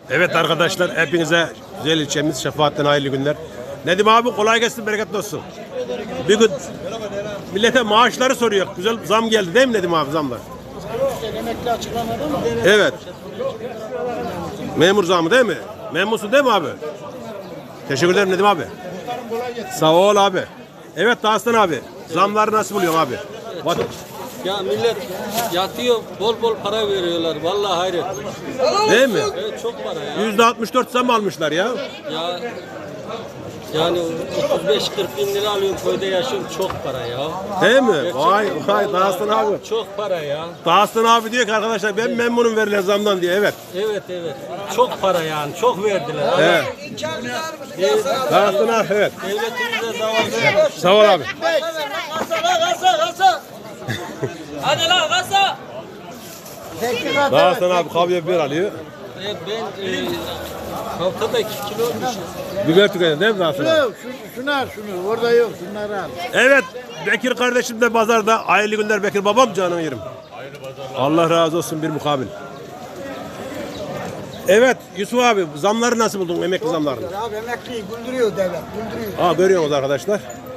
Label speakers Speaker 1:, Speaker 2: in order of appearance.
Speaker 1: Evet arkadaşlar, hepinize güzel ilçemiz Şefaat'ten hayırlı günler. Nedim abi kolay gelsin, bereketli olsun. Bir gün millete maaşları soruyor. Güzel zam geldi değil mi Nedim abi, zamlar?
Speaker 2: Emekli açıklamadı mı?
Speaker 1: Evet. Memur zamı değil mi? Memursun değil mi abi? Teşekkür ederim Nedim abi. Sağ ol abi. Evet Dağıstan abi. Zamları nasıl buluyorsun abi?
Speaker 3: Ya millet yatıyor, bol bol para veriyorlar. Vallahi hayret.
Speaker 1: Değil mi?
Speaker 3: Evet, çok para ya.
Speaker 1: %64 zam almışlar ya.
Speaker 3: Ya yani 35-40 bin lira alıyorum, köyde yaşıyorum, çok para ya.
Speaker 1: Değil mi?
Speaker 3: Gerçekten
Speaker 1: Vay vay
Speaker 3: vallahi
Speaker 1: Dağıstan abi.
Speaker 3: Çok para ya.
Speaker 1: Dağıstan abi diyor ki arkadaşlar ben memnunum verilen zamdan diye. Evet.
Speaker 3: Evet. Çok para yani, çok verdiler.
Speaker 1: Evet. Dağıstan abi evet.
Speaker 3: Devletimize zavallı.
Speaker 1: Sağ ol abi.
Speaker 3: Hadi lan kasa.
Speaker 1: Dağıstan abi kahve biber alıyor.
Speaker 3: Ben haftada 2 kilo olmuşum.
Speaker 1: Biber tüketiyor değil mi Dağıstan abi?
Speaker 2: Şunu orada yok, şunları al.
Speaker 1: Evet, Bekir kardeşim de pazarda. Hayırlı günler Bekir babam, canım yerim. Allah razı olsun bir mukabil. Evet Yusuf abi, zamları nasıl buldun, emekli zamlarını?
Speaker 2: Abi emekliyi güldürüyor devlet, güldürüyor.
Speaker 1: Görüyorsunuz arkadaşlar.